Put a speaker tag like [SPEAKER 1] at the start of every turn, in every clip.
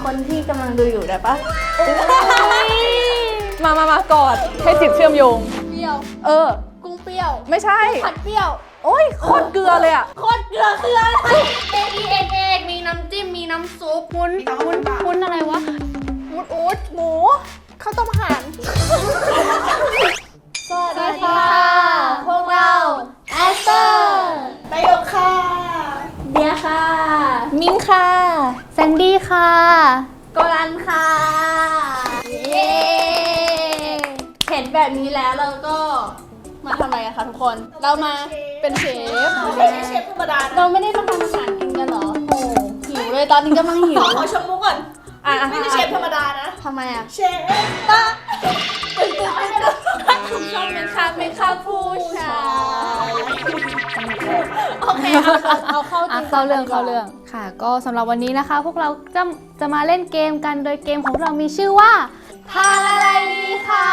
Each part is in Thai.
[SPEAKER 1] คนที่กำลังดูอยู่ได้ปะ
[SPEAKER 2] มากอดให้จิตเชื่อมโยง
[SPEAKER 1] เปรี้ยว กุ้งเปรี้ยว
[SPEAKER 2] ไม่ใช่
[SPEAKER 1] ผัดเปรี้ยว
[SPEAKER 2] โอ้ยโคตรเกลือเลยอะ
[SPEAKER 1] โคตรเกลือคืออะไรเอกมีน้ำจิ้มมีน้ำซุปวุ้นอะไรวะวุ้นอู๊ดหมูข้าวต้มห่านสวัสดีค่ะพวกเราแอสเตอร์ไปยกค่ะเบียร์ค่ะ
[SPEAKER 2] มิ้นค่ะ
[SPEAKER 3] แซนดี้ค่ะ
[SPEAKER 1] โกลันค่ะเย้เห็นแบบนี้แล้วเราก็มาทำอะไรกันคะทุกคน เรามาเป็นเชฟไม่ใช่เชฟธรรมดาเราไม่ได้มาทำอาหารกินกันเหรอโอ้หิวเลยตอนนี้กำลังหิว
[SPEAKER 4] ขอชมมุกก่อนไม่ใช่เชฟธรรมดานะ
[SPEAKER 1] ทำไมอ่ะ
[SPEAKER 4] เชฟป้า
[SPEAKER 1] ชอบเป็นค่ะผู้ชายโอเคเอาเข้าจริง
[SPEAKER 3] เข้าเรื่องค่ะ ก็สำหรับวันนี้นะคะ พวกเราจะมาเล่นเกมกันโดยเกมของเรามีชื่อว่า
[SPEAKER 1] ทานอะไรดีคะ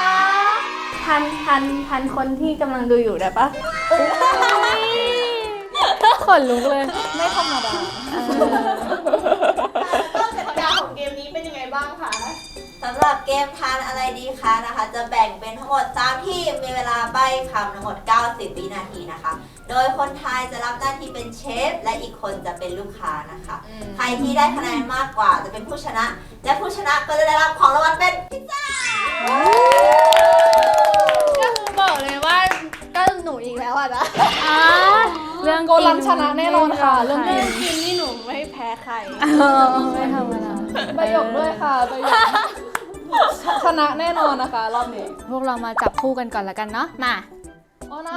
[SPEAKER 1] ทันคนที่กำลังดูอยู่ได้ปะ
[SPEAKER 3] ขนลุกเลย
[SPEAKER 1] ไม่ธรรมดา
[SPEAKER 4] ต้นกติกาของเกมนี้เป็นยังไงบ้างคะ
[SPEAKER 5] สำหรับเกมทานอะไรดีคะนะคะจะแบ่งเป็นทั้งหมด3ทีมมีเวลาใบ้คำทั้งหมด90วินาทีนะคะโดยคนไทยจะรับหน้าที่เป็นเชฟและอีกคนจะเป็นลูกค้านะคะใครที่ได้คะแนนมากกว่าจะเป็นผู้ชนะและผู้ชนะก็จะได้รับของรางวัลเป็นพิซซ่า
[SPEAKER 1] ก็คือบอกเลยว่าก็หนูอีกแล้วอ่ะนะ
[SPEAKER 3] เรื่อง
[SPEAKER 2] โกลันชนะแน่นอนค่ะเรื่องกิน
[SPEAKER 1] กินนี่หนูไม่แพ้ใคร
[SPEAKER 3] ไม่ธรรมดา
[SPEAKER 2] ประโยคด้วยค่ะประโยคชนะแน่นอนนะคะรอบนี้
[SPEAKER 3] พวกเรามาจับคู่กันก่อนละกันเนาะมา
[SPEAKER 2] โอ้น้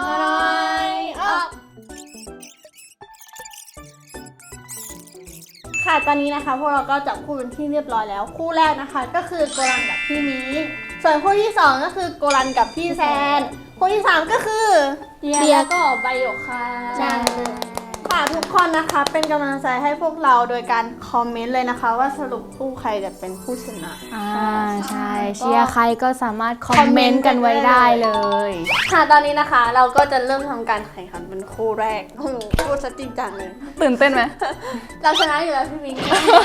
[SPEAKER 1] ค่ะตอนนี้นะคะพวกเราก็จับคู่เป็นที่เรียบร้อยแล้ว คู่แรกนะคะก็คือโกลันกับพี่มิ้งส่วนคู่ที่2ก็คือโกลันกับพี่แซนคู่ที่3ก็คือเบียร์ก็ใบหยกค่ะค่ะทุกคนนะคะเป็นกำลังใจให้พวกเราโดยการคอมเมนต์เลยนะคะ ว่าสรุปคู่ใครจะเป็นผู้ชนะ
[SPEAKER 3] ใช่เชียร์ใครก็สามารถคอมเมนต์กันไว้ได้เลย
[SPEAKER 1] ค่ะตอนนี้นะคะเราก็จะเริ่มทำการแข่งขันเป็นคู่แรกโอ้โหพูดซะจริงจังเลย
[SPEAKER 2] ตื่นเต้นไหม
[SPEAKER 1] เราชนะอยู่แล้วพี่มิ้ง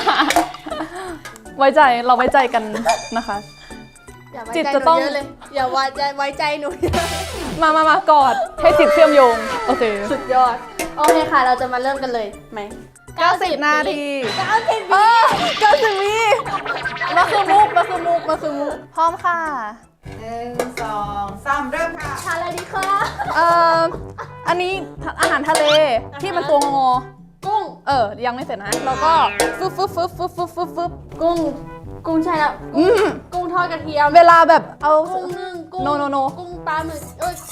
[SPEAKER 2] ไว้ใจเราไว้ใจกันนะคะ
[SPEAKER 1] อย่าไว้
[SPEAKER 2] จิต
[SPEAKER 1] ใจห
[SPEAKER 2] จะ
[SPEAKER 1] นู
[SPEAKER 2] ต้อง
[SPEAKER 1] เยอะเลยอย่าไว้ใจหนูเยอะ
[SPEAKER 2] มากอดให้จิตเชื่อมโยงโอเค
[SPEAKER 1] สุดยอดโอเคค่ะเราจะมาเริ่มกันเลยไหม
[SPEAKER 2] 90 นาที
[SPEAKER 1] 90
[SPEAKER 2] 90 วิมาคือมุกพร้อมค่ะ
[SPEAKER 4] 1 2 3 เริ่มค่ะ
[SPEAKER 1] ทานอะไรดีคะ
[SPEAKER 2] อันนี้อาหารทะเลที่มันตัวงอ
[SPEAKER 1] กุ้ง
[SPEAKER 2] ยังไม่เสร็จนะแล้วก็ฟึบ
[SPEAKER 1] กุ้งใช่แล้ว กุ้งทอดกระเทียม
[SPEAKER 2] เวลาแบบเอา
[SPEAKER 1] กุ้งนึ่งกุ้ง
[SPEAKER 2] No
[SPEAKER 1] กุ้งปลาหมึก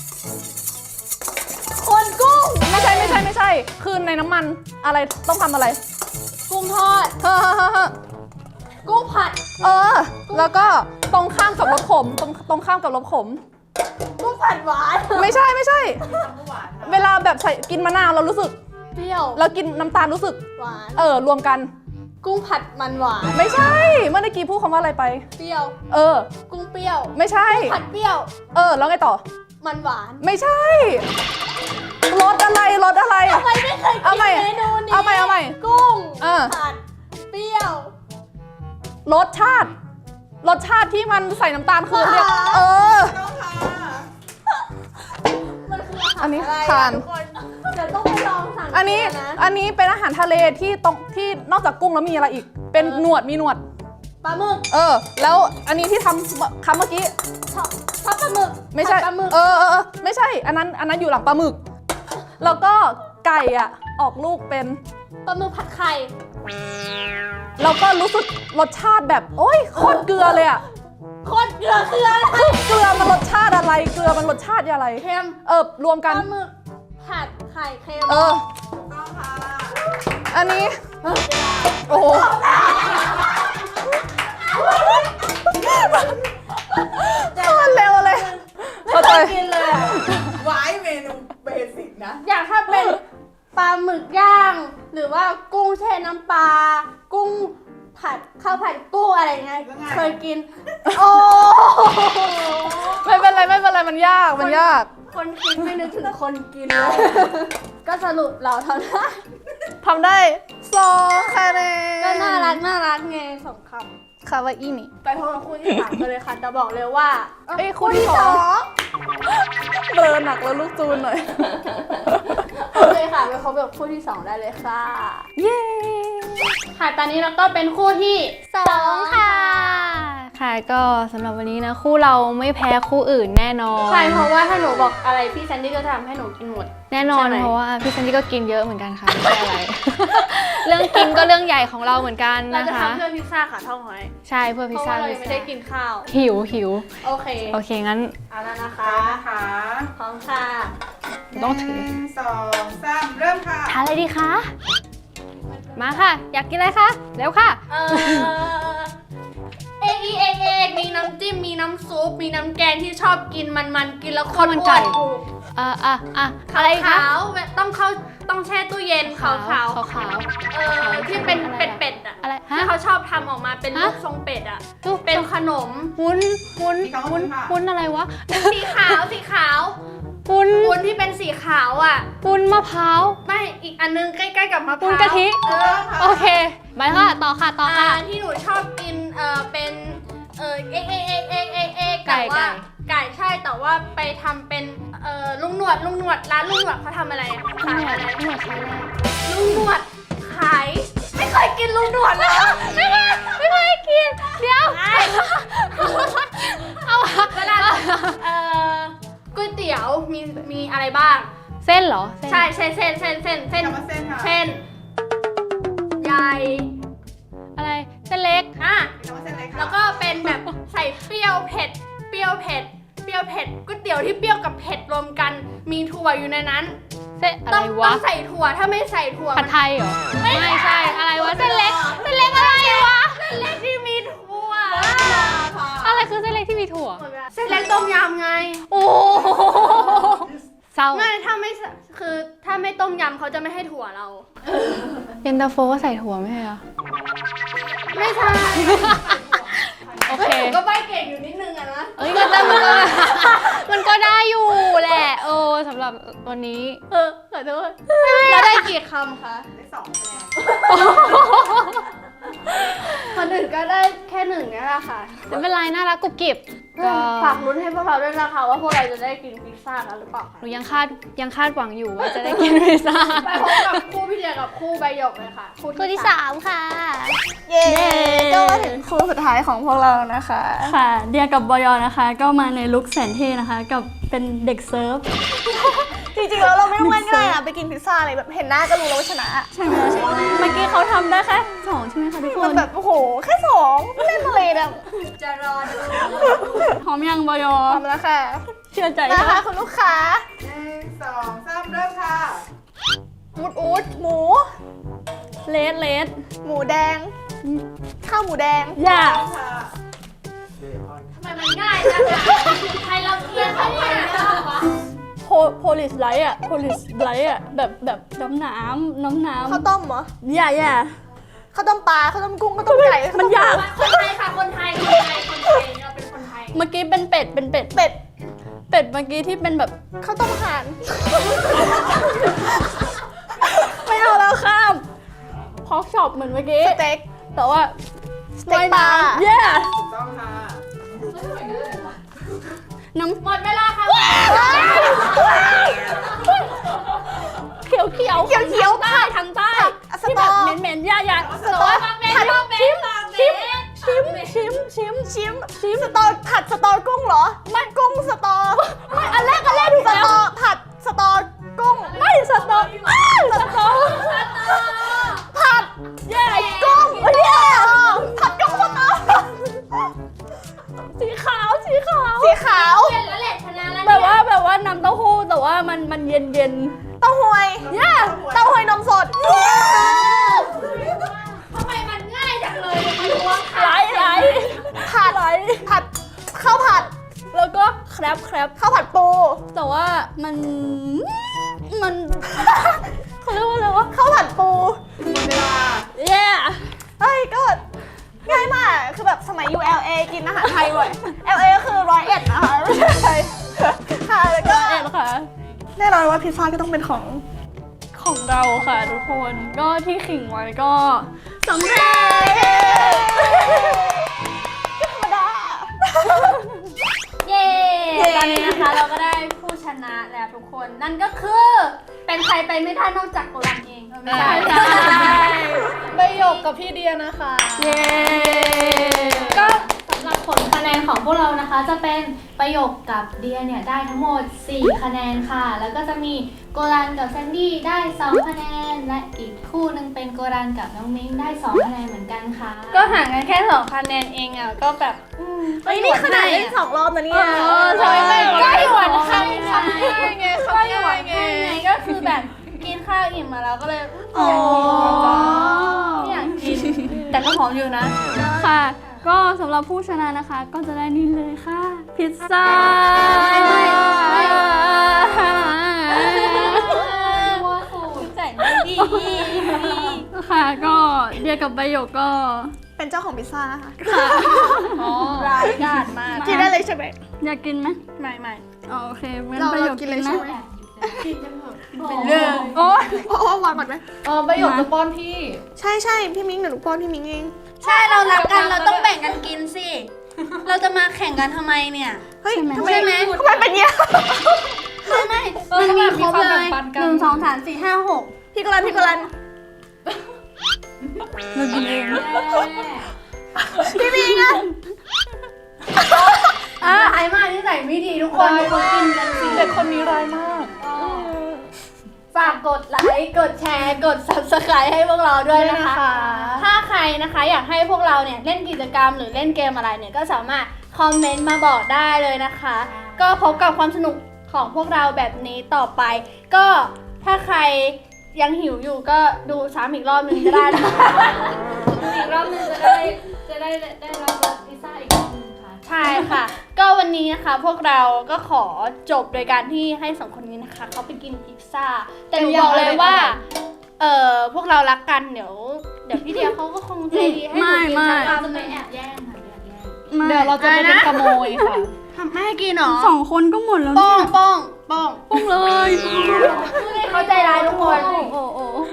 [SPEAKER 1] คนกุ้ง
[SPEAKER 2] ไม่ใช่คือในน้ำมันอะไรต้องทำอะไร
[SPEAKER 1] กุ้งทอด
[SPEAKER 2] เฮ้อ
[SPEAKER 1] กุ้งผัด
[SPEAKER 2] แล้วก็ตรงข้ามกับรสขมตรงข้ามกับรสขม
[SPEAKER 1] กุ้งผัดหวาน
[SPEAKER 2] ไม่ใช่เวลาแบบใส่กินมะนาวเรารู้สึก
[SPEAKER 1] เปรี้ยว
[SPEAKER 2] แล้วกินน้ำตาลรู้สึก
[SPEAKER 1] หวาน
[SPEAKER 2] รวมกัน
[SPEAKER 1] กุ้งผัดมันหวาน
[SPEAKER 2] ไม่ใช่เมื่อกี้พูดคำว่าอะไรไป
[SPEAKER 1] เปรี้ยว กุ้งเปรี้ยว
[SPEAKER 2] ไม่ใช่
[SPEAKER 1] ผัดเปรี้ยว
[SPEAKER 2] แล้วไงต่อ
[SPEAKER 1] มันหวาน
[SPEAKER 2] ไม่ใช่รสอะไร
[SPEAKER 1] ทำไมไม่เคย
[SPEAKER 2] เอา
[SPEAKER 1] กิน
[SPEAKER 2] ใหม่
[SPEAKER 1] เมนูนี้
[SPEAKER 2] เอาใหม่
[SPEAKER 1] กุ้ง
[SPEAKER 2] ผั
[SPEAKER 1] ดเปรี้ยว
[SPEAKER 2] รสชาติที่มันใส่น้ำตาลคือเรียก
[SPEAKER 4] ต้องค่ะ
[SPEAKER 1] มันคืออาหาร
[SPEAKER 2] อันนี้
[SPEAKER 1] อะไร
[SPEAKER 2] ทาน
[SPEAKER 1] ทุกคนเดี๋ยวต้องไปลองสั่ง
[SPEAKER 2] อันนี้
[SPEAKER 1] นะ
[SPEAKER 2] เป็นอาหารทะเลที่นอกจากกุ้งแล้วมีอะไรอีก เป็นหนวดมีหนวด
[SPEAKER 1] ปลาหมึก
[SPEAKER 2] แล้วอันนี้ที่ทำคำเมื่อกี้
[SPEAKER 1] ทอดปลาหมึก
[SPEAKER 2] ไม่ใช่
[SPEAKER 1] ผัดปลาหมึก
[SPEAKER 2] ไม่ใช่อันนั้นอยู่หลังปลาหมึก แล้วก็ไก่อ่ะออกลูกเป็น
[SPEAKER 1] ปลาหมึกผัดไข่
[SPEAKER 2] แล้วก็รู้สึกรสชาติแบบโอ๊ยโคตรเกลือเลยอ่ะ
[SPEAKER 1] โคตรเกลือคืออะไร
[SPEAKER 2] เกลือมันรสชาติอะไรเกลือมันรสชาติอะไร
[SPEAKER 1] เค็ม
[SPEAKER 2] รวม
[SPEAKER 1] ป
[SPEAKER 2] กัน
[SPEAKER 1] ลาหมึกผัดไข่เค็ม
[SPEAKER 4] ต้องค่ะ
[SPEAKER 2] อันนี้ โอ้โหโคตรเร็วเลยเข้าใจ
[SPEAKER 1] กินเลยอะ
[SPEAKER 4] ไว้เมนูเบสิกนะ
[SPEAKER 1] อย่างถ้าเป็นปลาหมึกย่าง หรือว่ากุ้งแช่น้ำปลากุ้งผัดข้าวผัดกุ้งอะไรเงี้ย
[SPEAKER 4] แล้วไง
[SPEAKER 1] เคยกิน โอ้
[SPEAKER 2] ไม่เป็นไรมันยาก
[SPEAKER 1] คนกินไม่นึกถึงคนกินเลยก็สรุปเราเท่านั้น
[SPEAKER 2] ทำได้ 2คะแนน
[SPEAKER 1] ก็น่ารักไงสองคำ
[SPEAKER 2] คาวาอินี่
[SPEAKER 1] ไปพบกับคู่ที่สามกันเลยค่ะจะบอกเลยว่า
[SPEAKER 2] เอ้ยคู่ที่สอง เบลอหนักแล้วลูกจูนหน่อย
[SPEAKER 1] โอเคค่ะไปพบกับคู่ที่สองได้เลยค่ะ
[SPEAKER 2] เย้
[SPEAKER 1] ค่ะตอนนี้เราก็เป็นคู่ที่สองค่ะ
[SPEAKER 3] ค่ะก็สำหรับวันนี้นะคู่เราไม่แพ้คู่อื่นแน่นอน
[SPEAKER 1] ใช่เพราะว่าถ้าหนูบอกอะไรพี่แซนดี้ก็จะทำให้หนูกินหมด
[SPEAKER 3] แน่นอน
[SPEAKER 1] ใช่ไหม
[SPEAKER 3] เพราะว่าพี่ซันดี้ก็กินเยอะเหมือนกันค่ะไม่ใช่อะไร เรื่องกินก็เรื่องใหญ่ของเราเหมือนกัน
[SPEAKER 1] เรา
[SPEAKER 3] นะ
[SPEAKER 1] จะ
[SPEAKER 3] คะ
[SPEAKER 1] ทำเพื่อพิซซ่าค่ะท่องไว้
[SPEAKER 3] ใช่เพื่อ
[SPEAKER 1] เพ
[SPEAKER 3] พิซ
[SPEAKER 1] ราะ
[SPEAKER 3] ซ่า
[SPEAKER 1] ว่าเรายังไม่ได้กินข้าว
[SPEAKER 3] หิว
[SPEAKER 1] โอเค
[SPEAKER 3] โอเคงั้น
[SPEAKER 1] เอาแล้วนะคะ
[SPEAKER 4] นะคะ
[SPEAKER 1] พร้อมค่ะ
[SPEAKER 3] ต้องถือ
[SPEAKER 4] 1 2 3 เริ่มค่ะ
[SPEAKER 3] ทานอะไรดีคะมาค่ะ อยากกินอะไรคะเร็วค่ะ
[SPEAKER 1] เอกมีน้ำจิ้มมีน้ำซุปมีน้ำแกงที่ชอบกินมันกินแล้ว
[SPEAKER 3] ข้าวมันไก่
[SPEAKER 1] อ้วน
[SPEAKER 3] อะไรคะ
[SPEAKER 1] ขาวๆต้องแช่ตู้เย็นขาว
[SPEAKER 3] ขาว
[SPEAKER 1] ที่เป็นเป็ดๆอ่ะ
[SPEAKER 3] อะไรฮะ
[SPEAKER 1] ที่เขาชอบทำออกมาเป็นรูป
[SPEAKER 3] ฮะ
[SPEAKER 1] ทรงเป็ดอ่ะ
[SPEAKER 3] รูป
[SPEAKER 1] เป็นขนม
[SPEAKER 3] วุ้น
[SPEAKER 4] มีคำว่าวุ้นค่ะ
[SPEAKER 3] วุ้นอะไรวะ
[SPEAKER 1] สีขาว
[SPEAKER 3] วุ้น
[SPEAKER 1] วุ้นที่เป็นสีขาวอ่ะ
[SPEAKER 3] วุ้นมะพร้าว
[SPEAKER 1] ไม่อีกอันนึงใกล้ๆกับมะพ
[SPEAKER 3] วุ้น
[SPEAKER 1] ร้าว
[SPEAKER 3] กะทิ
[SPEAKER 1] เออ
[SPEAKER 3] โอเคไปค่ะต่อค่ะ
[SPEAKER 1] ที่หนูชอบกินเป็นเอก
[SPEAKER 3] ไก่
[SPEAKER 1] แต่ว่าไก่ใช่แต่ว่าไปทำเป็นลุงหนวดร้านลุงหนวดเขาทำอะไรอะขายอะไร
[SPEAKER 3] หนวดใช้แรก
[SPEAKER 1] ลุงหนวดขายไม่เคยกินลุงหนวดเลย
[SPEAKER 3] ไม่เคยกินเดี๋ยวเอา
[SPEAKER 1] เวลาก๋วยเตี๋ยวมีอะไรบ้าง
[SPEAKER 3] เส้นเหรอ
[SPEAKER 1] ใช่เส้น
[SPEAKER 4] คำว่าเส้นค่ะ
[SPEAKER 1] เส้นใหญ่
[SPEAKER 3] อะไรเส้นเล็ก
[SPEAKER 1] อ่ะ
[SPEAKER 4] มีคำว่าเส้นอะไรคะ
[SPEAKER 1] แล้วก็เป็นแบบใส่เปรี้ยวเผ็ดก๋วยเตี๋ยวที่เปรี้ยวกับเผ็ดรวมกันมีถั่วอยู่ในนั้น
[SPEAKER 3] เส้นอะไร
[SPEAKER 1] ต้อง
[SPEAKER 3] วะ
[SPEAKER 1] ใส่ถั่วถ้าไม่ใส่ถั่ว
[SPEAKER 3] ผัดไทยเหรอไม่ใช่อะไรวะเส้นเล็กอะไรวะ
[SPEAKER 1] เส้นเล็กที่มีถั่ว
[SPEAKER 3] อะไรคือเส้นเล็กที่มีถั่ว
[SPEAKER 1] เส้นเล็กต้มยำไง
[SPEAKER 3] โอ้เศร้า
[SPEAKER 1] ไม่ถ้าไม่คือถ้าไม่ต้มยำเขาจะไม่ให้ถั่วเรา
[SPEAKER 3] เย็นตาโฟก็ใส่ถั่วไม่ใช่เหรอ
[SPEAKER 1] ไม่ใช่
[SPEAKER 3] โอเค
[SPEAKER 1] หนูก็ใบเก่งอยู่นิดนึงอะนะ
[SPEAKER 3] เอ้ยมันก็ได้อยู่แหละสำหรับวันนี้
[SPEAKER 1] ขอโทษแล้วได้กี่คำคะ
[SPEAKER 4] ได้2 คะแนน
[SPEAKER 1] คนอื่นก็ได้แค่หนึ่งนี่แหละค่ะ
[SPEAKER 3] ไม่เป็นไรน่ารักกรุบกริบก็
[SPEAKER 1] ฝากลุ้นให้พวกเราด้วยนะคะว่าพวกเราจะได้กินพิซซ่ากันหรือเปล่า
[SPEAKER 3] หนูยังคาดหวังอยู่ว่าจะได้กินพิซซ่า
[SPEAKER 1] ไปพบกับคู่พี่เดียกับคู่ใบหยกเลยค่ะ
[SPEAKER 3] คู่ที่3ค่ะ
[SPEAKER 1] เย้ก็มาถึงคู่สุดท้ายของพวกเรานะคะ
[SPEAKER 6] ค่ะเดียกับบอยนะคะ ก็มาในลุคแสนเท่นะคะ กับเป็นเด็กเซิร์ฟ
[SPEAKER 1] จริงๆแล้วเราไม่ต้องง่ายๆอะไปกินพิซซ่าอะไรแบบเห็นหน้าก็รู้แล้วว่าชนะ
[SPEAKER 6] ใช่ไหมเมื่อกี้เขาทำได้แค่2ใช่ไหมคะทุกค
[SPEAKER 1] มัน
[SPEAKER 6] น
[SPEAKER 1] แบบโอ้โหแค่สองเล่นอะไรแบบ
[SPEAKER 5] จะรอดู
[SPEAKER 6] หอมยังบอย
[SPEAKER 1] พร้อมแล้วค่ะ
[SPEAKER 6] เชื่อใจ
[SPEAKER 1] นะ
[SPEAKER 6] ค่ะ
[SPEAKER 1] คะคุณลูกค้า
[SPEAKER 4] 1 2 3 เริ่มค่ะ
[SPEAKER 1] อูดหมู
[SPEAKER 6] เลส
[SPEAKER 1] หมูแดง ข้าวหมูแดง
[SPEAKER 6] อย่า
[SPEAKER 4] ค่ะ
[SPEAKER 1] ทำไมมันง่ายจังอะใครเราเทียนเขาเนี่ย
[SPEAKER 6] โพลิสไลท์อะโพลิสไลท์อะแบบน้ำ
[SPEAKER 1] ข้าวต้มเหรอ
[SPEAKER 6] อย่า
[SPEAKER 1] ข้าวต้มปลาข้าวต้มกุ้งข้าวต้มไก่
[SPEAKER 6] มันยาก
[SPEAKER 1] คนไทยค่ะคนไทยเราเป็นคนไทย
[SPEAKER 6] เมื่อกี้เป็นเป็ด
[SPEAKER 1] เป็ด
[SPEAKER 6] เมื่อกี้ที่เป็นแบบ
[SPEAKER 1] ข้าวต้มห่าน
[SPEAKER 6] ไม่เอาแล้วข้ามพอกช็อปเหมือนเมื่อกี้
[SPEAKER 1] สเต็ก
[SPEAKER 6] แต่ว่า
[SPEAKER 1] สเต็กปลา
[SPEAKER 6] เย่
[SPEAKER 4] ถูกต้องค่ะ
[SPEAKER 6] น้ำ
[SPEAKER 1] หมดเวลาค่ะ
[SPEAKER 6] เขียวเขียวใต้ทางใต้
[SPEAKER 1] ส
[SPEAKER 6] ที่
[SPEAKER 1] ต
[SPEAKER 6] แบ
[SPEAKER 1] อบ
[SPEAKER 6] เหม็นๆอย่า
[SPEAKER 1] สตอ
[SPEAKER 6] ผัด
[SPEAKER 1] ชิมสตอผัดสตอกุ้งเหรอไม่กุ้งสตอไม่อันแรกถูกแล้วสตอผัดสตอกุ้ง
[SPEAKER 6] ไม่สตอ
[SPEAKER 1] ผัด
[SPEAKER 6] เย่
[SPEAKER 1] กุ้งผัดกุ้งสตอ
[SPEAKER 6] สีขาว
[SPEAKER 1] สีขาว
[SPEAKER 5] แล้วแหละชนะแล้ว
[SPEAKER 6] แบบว่าน้ำเต้าหู้แต่ว่ามันเย็น
[SPEAKER 1] เต้าหวย
[SPEAKER 6] ๆเย่
[SPEAKER 1] เต้าหวยนมสด
[SPEAKER 5] ทำไมมันง่ายจังเลยไม่รู้ว่า
[SPEAKER 6] ไหล
[SPEAKER 1] ผัดข้าวผัด
[SPEAKER 6] แล้วก็แครบ
[SPEAKER 1] ข้าวผัดปู
[SPEAKER 6] แต่ว่ามันเขาเรียกว่าอะไรวะ
[SPEAKER 1] ข้าวผัดปู
[SPEAKER 4] หมดเวลา
[SPEAKER 6] เย่
[SPEAKER 1] เฮ้ยก็ง่ายมากคือแบบสมัยอยู่ LA กินอาหารไทยบ่อย LA ก็คือ101นะคะไม่ใช่ค่ะแล้วก็
[SPEAKER 6] ค่ะ
[SPEAKER 1] แน่นอนว่าพิซซ่าก็ต้องเป็นของ
[SPEAKER 6] เราค่ะทุกคนก็ที่ขิงไว้ก็สำเร็จ
[SPEAKER 1] เย้ตอนนี้นะคะเราก็ได้ผู้ชนะแล้วทุกคนนั่นก็คือเป็นใครไปไม่ได้นอกจากโกลันเองไม่ใช่
[SPEAKER 2] ใบหยกกับพี่เดียนะคะ
[SPEAKER 6] เย้
[SPEAKER 3] ก็สำหรับผลคะแนนของพวกเรานะคะจะเป็นประโยคกับเดียเนี่ยได้ทั้งหมด 4 คะแนนค่ะ แล้วก็จะมีโกรันกับแซนดี้ได้ 2 คะแนน และอีกคู่หนึงเป็นโกรันกับน้องมิ้งได้ 2 คะแนนเหมือนกันค่ะ
[SPEAKER 6] ก็ห่างกันแค่2 คะแนนเองอ่ะก็แบบ
[SPEAKER 1] เฮ้ยนี่ขนาดเล่น2 รอบนะเนี่ย
[SPEAKER 6] ใช่ไหม
[SPEAKER 1] ก็หยวน
[SPEAKER 6] ค
[SPEAKER 1] คำ
[SPEAKER 6] ำ
[SPEAKER 1] คำ
[SPEAKER 6] ไง
[SPEAKER 1] ก็หยวนไงก็คือแบบกินข้าวอิ่มมาแล้วก็เลย
[SPEAKER 6] อ๋อ
[SPEAKER 1] ไม่อยากกินแต่ก็หอมอยู่นะ
[SPEAKER 6] ค่ะ ก็สำหรับผู้ชนะนะคะ ก็จะได้นี่เลยค่ะ พิซซ่า
[SPEAKER 1] ใจไม่ดี
[SPEAKER 6] ค่ะก็เดียกับใบหยกก็
[SPEAKER 1] เป็นเจ้าของพิซซ่านะคะ
[SPEAKER 6] ร้ายกาจมาก
[SPEAKER 1] กินได้เลยใช่ไหม
[SPEAKER 6] อยากกินไหม
[SPEAKER 1] ไม่
[SPEAKER 6] อ๋อโอเคงั้น
[SPEAKER 1] เรา
[SPEAKER 6] ใบหยก
[SPEAKER 1] กิน
[SPEAKER 6] กิน
[SPEAKER 1] เลย
[SPEAKER 6] นะ
[SPEAKER 1] ใช่ไหม
[SPEAKER 3] เป็นเรื่อง
[SPEAKER 6] โอ๊ย
[SPEAKER 1] โอ้วางก่อนไหม
[SPEAKER 2] ใบหยกจะป้อนพี่
[SPEAKER 1] ใช่พี่มิ้งเดี๋ยวหนูป้อนพี่มิ้งเอง
[SPEAKER 7] ใช่เรารักกันเราต้องแบ่งกันกินสิ เราจะมาแข่งกันทำไมเนี่ย
[SPEAKER 1] เฮ้ยทำไม
[SPEAKER 7] ใช่ไหม
[SPEAKER 1] ทำไมเป็นเงี้ย
[SPEAKER 7] ไม่
[SPEAKER 2] มันมีครบเลย
[SPEAKER 1] 1 2 3 4 5 6พี่กรัน
[SPEAKER 6] เรากินเอง
[SPEAKER 1] พี่มิ้งอะ
[SPEAKER 7] ไอ้มากที่ใส่ไม่ดีทุกคนทุกคนกินกันสิ
[SPEAKER 2] เด็กคนนี้ร้ายมาก
[SPEAKER 1] ฝากกดไลค์กดแชร์กด subscribe ให้พวกเราด้วยนะคะ ถ้าใครนะคะอยากให้พวกเราเนี่ยเล่นกิจกรรมหรือเล่นเกมอะไรเนี่ยก็สามารถคอมเมนต์มาบอกได้เลยนะคะ ก็พบกับความสนุกของพวกเราแบบนี้ต่อไป ก็ถ้าใครยังหิวอยู่ก็ดูซ้ำอีกรอบนึงก็ได้นะคะ
[SPEAKER 3] อีกรอบหนึงจะได้รับรสพิซซ่าอีกรอบหนึงค่ะ
[SPEAKER 1] ใช่ค่ะ ก็วันนี้นะคะพวกเราก็ขอจบโดยการที่ให้สองคนนี้นะคะเขาไปกินพิซซ่า แต่หนูบอกเลยว่า พวกเรารักกันเดี๋ยวพี่เดียเขาก็คงใจดีให้หนูกินสัก
[SPEAKER 3] เรา
[SPEAKER 1] คำ
[SPEAKER 3] จะ
[SPEAKER 1] ห
[SPEAKER 3] ไป
[SPEAKER 1] นึ่ง
[SPEAKER 3] แอบแย่งค่ะแอบแย่ง
[SPEAKER 6] มา
[SPEAKER 2] เดี๋ยวเราจะไปเป็นขโมยค่ะ
[SPEAKER 7] ทำให้กินเหรอ
[SPEAKER 6] 2 คนก็หมดแล้ว
[SPEAKER 7] ป้
[SPEAKER 6] เนี่
[SPEAKER 7] อง
[SPEAKER 6] ย
[SPEAKER 7] ป้อง
[SPEAKER 6] ปุ้งเลย
[SPEAKER 1] เขาใจร้ายทุกคน
[SPEAKER 6] โอ้